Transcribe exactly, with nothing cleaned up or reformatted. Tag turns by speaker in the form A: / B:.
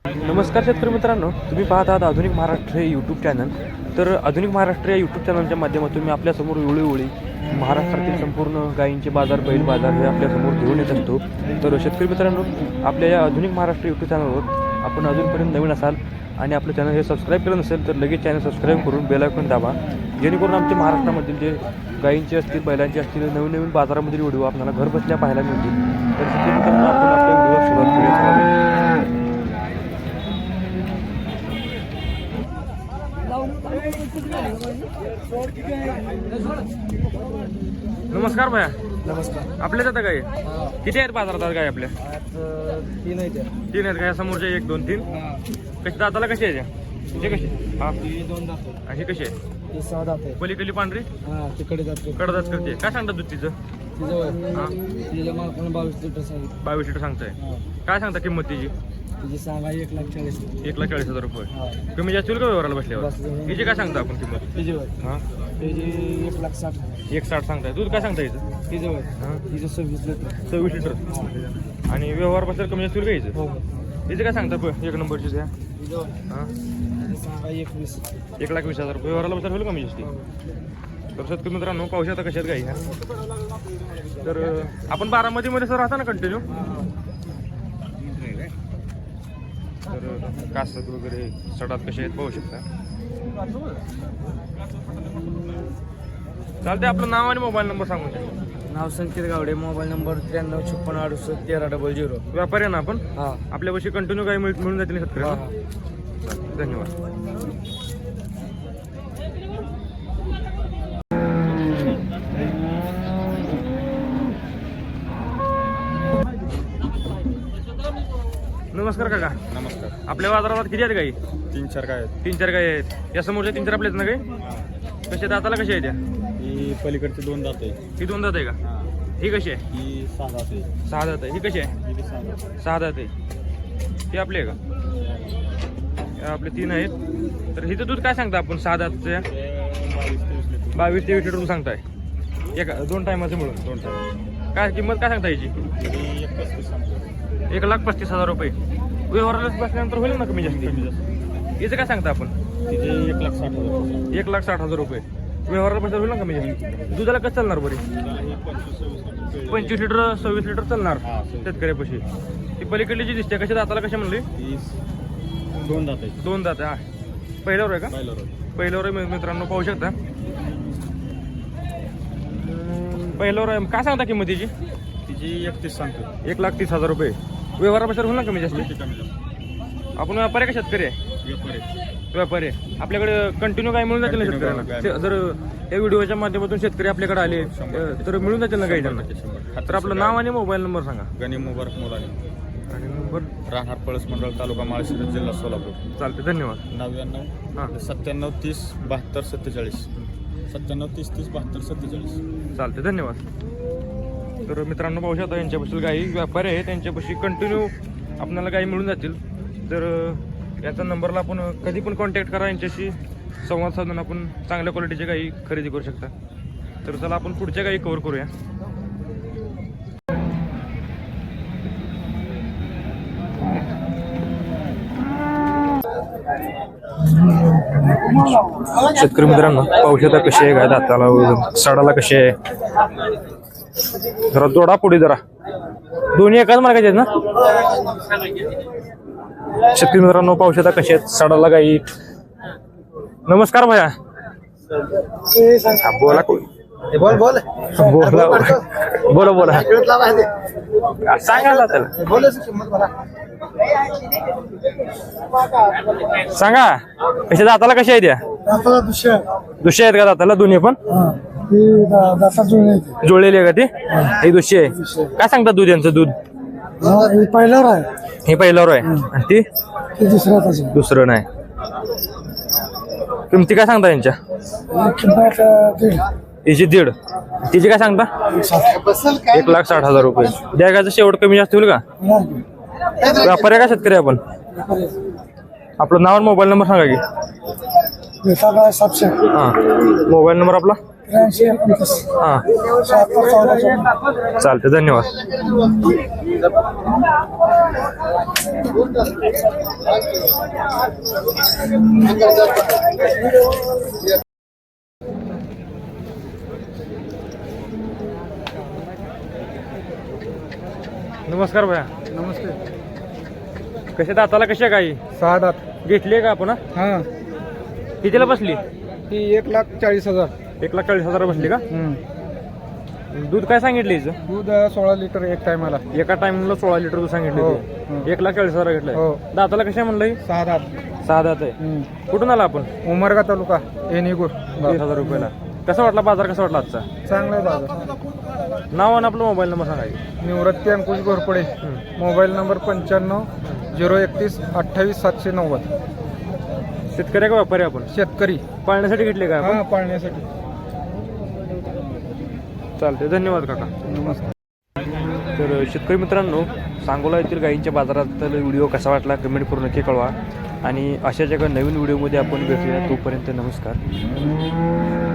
A: नमस्कार शेतकरी मित्रांनो, तुम्ही पाहत आहात आधुनिक महाराष्ट्र हे यूट्यूब चॅनल. तर आधुनिक महाराष्ट्र या यूट्यूब चॅनलच्या माध्यमातून मी आपल्यासमोर वेळोवेळी महाराष्ट्रातील संपूर्ण गायींचे बाजार, बैल बाजार हे आपल्यासमोर घेऊन येत असतो. तर शेतकरी मित्रांनो, आपल्या या आधुनिक महाराष्ट्र यूट्यूब चॅनलवर आपण अजूनपर्यंत नवीन असाल आणि आपलं चॅनल हे सबस्क्राईब केलं नसेल तर लगेच चॅनल सबस्क्राईब करून बेल आयकॉन दाबा, जेणेकरून आमच्या महाराष्ट्रामधील जे गायींचे असतील, बैलांचे असतील, नवीन नवीन बाजारामधील व्हिडिओ आपल्याला घर बसल्या पाहायला मिळतील. तर शेतकरी मित्रांनो, आपण आपल्या व्हिडिओवर सुरुवात करूया. नमस्कार भैया.
B: नमस्कार.
A: आपल्याच आता काय किती आहेत बाजारात काय आपल्या?
B: तीन आहेत.
A: तीन आहेत काय? समोरचे एक दोन तीन कशी दाताला कशी आहे? हे कशी? हा,
B: दोन दात
A: आणि हे कशी आहे?
B: ही सहा दात आहे.
A: पलीकडली पांढरी
B: हा, तिकडे जाते.
A: कडदात करते. काय सांगतात दूध तिचं?
B: तिचं
A: हा,
B: तिच्या मालकानं बावीस लिटर सांगितलं.
A: बावीस लिटर सांगताय.
B: हा.
A: काय सांगता किंमत तिची?
B: तिची सांगा एक लाख चाळीस.
A: एक लाख चाळीस हजार रुपये.
B: हा.
A: कमी जास्त होईल का व्यवहाराला बसल्यावर?
B: बसल्यावर.
A: तिची काय सांगता आपण किंमत?
B: तिची वय
A: हा,
B: तिची एक लाख साठ.
A: एक साठ सांगताय. दूध काय सांगता याचं?
B: तिचं वय
A: हा,
B: तिचं सव्वीस लिटर.
A: सव्वीस लिटर. आणि व्यवहार बसल्यावर कमी जास्त होईल का याचं?
B: हो.
A: तिचं काय सांगता प- एक नंबरची द्या?
B: तिचं वय
A: हां,
B: तिची सांगा एकवीस.
A: एक लाख वीस हजार रुपये. व्यवहाराला बसल्यावर होईल कमी जास्ती? तर शेतकरी मित्रांनो, पाहू शकता कशात गाई ह्या. तर अं, आपण बारामतीमध्ये सर राहता ना कंटिन्यू? तर अं, कासत वगैरे सडात कसे आहेत पाहू शकता. चालते. आपलं नाव आणि मोबाईल नंबर सांगून द्या.
B: नाव संकेत गावडे. मोबाईल नंबर त्र्याण्णव छप्पन्न अडुसष्ट तेरा डबल झिरो.
A: व्यापारी आहे ना आपण?
B: हा.
A: आपल्यापाशी कंटिन्यू गाई मिळ मिळून जातील शेतकरी.
B: हा.
A: धन्यवाद. नमस्कार काका.
C: नमस्कार.
A: आपल्या बाजारात किती आहेत गाई?
C: तीन चार काय आहेत.
A: तीन चार गाई आहेत. या समोरच्या तीन चार आपल्या आहेत ना गाई? कशा दाताला कशा आहेत त्या?
C: ही पलीकडची दोन दात आहे.
A: ही दोन दात आहे का?
C: हा.
A: ही कशी आहे?
C: ही सहा दात आहे.
A: सहा दात आहे. ही कशी आहे?
C: ही बी सहा दात आहे.
A: सहा दात आहे. ही आपली आहे का? या आपले तीन आहेत. तर हिचं दूध काय सांगता आपण सहा दातच्या?
C: ते बावीस तेवीस लिटर.
A: बावीस तेवीस लिटर सांगताय एका दोन टायमाचं मिळून.
C: दोन टाइम.
A: काय किंमत काय सांगता याची?
C: ही एक पस्तीस सांगतो.
A: एक लाख पस्तीस हजार रुपये. व्यवहाराला बसल्यानंतर होईल ना कमी जास्ती?
C: कमी जास्त.
A: याचं काय सांगता आपण?
C: तिथे एक लाख साठ हजार.
A: एक लाख साठ हजार रुपये. व्यवहाराला बसल्यावर होईल ना कमी जास्ती? दुधाला कसं चालणार बरी?
C: ही पंचवीस सव्वीस लिटर.
A: पंचवीस लिटर सव्वीस लिटर चालणार
C: हा.
A: शेतकऱ्यापाशी. ती पलीकडली जी दिसते कशा दाताला कशा म्हणली?
C: ही दोन दात आहे.
A: दोन दात. हा, पहिल्यावर आहे का?
C: पाहिलं
A: पहिल्यावर आहे मित्रांनो, पाहू शकता. पहिल्यावर आहे. काय सांगता किंमत तिची?
C: तिची एकतीस सांगतो.
A: एक लाख तीस हजार रुपये. व्यवहाराबद्दल होईल ना कमी जास्त?
C: किती कमी जास्त.
A: आपण व्यापारी का शेतकरी आहे?
C: व्यापारी.
A: व्यापारी आहे. आपल्याकडे कंटिन्यू काय मिळून जातील ना
C: Continue
A: शेतकऱ्यांना?
C: गाय.
A: ते- जर या व्हिडिओच्या माध्यमातून शेतकरी आपल्याकडे आले अ, तर मिळून जातील ना काही त्यांना?
C: शंभर.
A: तर आपलं नाव आणि मोबाईल नंबर सांगा.
C: गणी मुबारक मुलानी.
A: आणि नंबर
C: राहणार पळस मंडळ, तालुका माळशिरस, जिल्हा सोलापूर.
A: चालते. धन्यवाद. हां.
C: नव्याण्णव सत्त्याण्णव तीस बहात्तर सत्तेचाळीस. सत्त्याण्णव तीस तीस बहात्तर सत्तेचाळीस.
A: चालते. धन्यवाद. तर मित्रांनो, पाहू शकता यांच्यापासून गाई व्यापारी आहे, त्यांच्यापाशी कंटिन्यू आपल्याला गाई मिळून जातील. तर अ, याचा नंबरला आपण कधी पण कॉन्टॅक्ट करा. यांच्याशी संवाद साधून आपण चांगल्या क्वालिटीच्या गाई खरेदी करू शकता. तर चला आपण पुढच्या गाई कव्हर करूया. शेतकरी मित्रांनो, पाहू शकता कशी आहे गाय दाताला वगैरे, सडाला कशी आहे. जरा जोडा पुढे जरा. दोन्ही एकाच मार्गाचे आहेत ना? शेतकरी मित्रांनो, पाहू शकता कशी आहेत सडाला गाई. नमस्कार भैया. हा, बोला कोण?
B: बोल बोल
A: बोला बोला बोला. सांगा ना त्याला. सांगा कशा दाताला कशा आहेत त्या? दुसऱ्या आहेत का दाताला दोन्ही पण? जुळलेली आहे का ती? ही दुसरी आहे. काय सांगतात दूध यांचं? दूध
B: पहिल्यावर आहे.
A: हे पहिल्यावर आहे आणि ती
B: दुसऱ्या
A: दुसरं नाही. किमती काय सांगता यांच्या? हिची दीड. तिची काय सांगता? एक लाख साठ हजार रुपये. द्यायचं शेवट कमी जास्त होईल का? व्यापारी का शेतकरी आपण? आपलं नाव आणि मोबाईल नंबर सांगा की.
B: सातशे.
A: हां, मोबाईल नंबर आपला?
D: त्र्याऐंशी एकोणतीस
A: हां
D: शहात्तर चौदा चौदा.
A: चालते धन्यवाद. नमस्कार भैया.
D: नमस्ते.
A: कशा दाताला कशा काही
D: सहा दात.
A: घेतली का आपण हा?
D: हां
A: कितीला बसली?
D: ती एक लाख चाळीस हजार.
A: एक लाख चाळीस हजार बसली का? दूध काय सांगितलं हिचं?
D: दूध सोळा लिटर एक टायमाला.
A: एका टाइमला सोळा लिटर दूध सांगितलं
D: हो,
A: होते.
D: हो.
A: एक लाख चाळीस हजार घेतलंय.
D: हो.
A: दाताला कशा म्हणलं ही?
D: सहा दात.
A: सहा दात आहे.
D: हम्म.
A: कुठून आला आपण?
D: उमरगा तालुका येणीगूर.
A: वीस हजार रुपयाला. कसा वाटला बाजार, कसा वाटला आजचा?
D: चांगला आहे बाजार.
A: नाव आणि आपला मोबाईल नंबर सांगायचे.
D: निवृत्ती अंकुश घोरपडे. मोबाईल नंबर पंच्याण्णव झिरो एकतीस अठ्ठावीस सातशे नव्वद.
A: शेतकरी का व्यापारी आपण?
D: शेतकरी.
A: पाळण्यासाठी घेतले का आपण?
D: हां पाळण्यासाठी.
A: चालते धन्यवाद काका.
D: नमस्कार.
A: तर शेतकरी मित्रांनो, सांगोला येथील गायींच्या बाजारात व्हिडिओ कसा वाटला कमेंट करून नक्की कळवा. आणि अशाच एका नवीन व्हिडिओमध्ये आपण भेटूया. तोपर्यंत नमस्कार.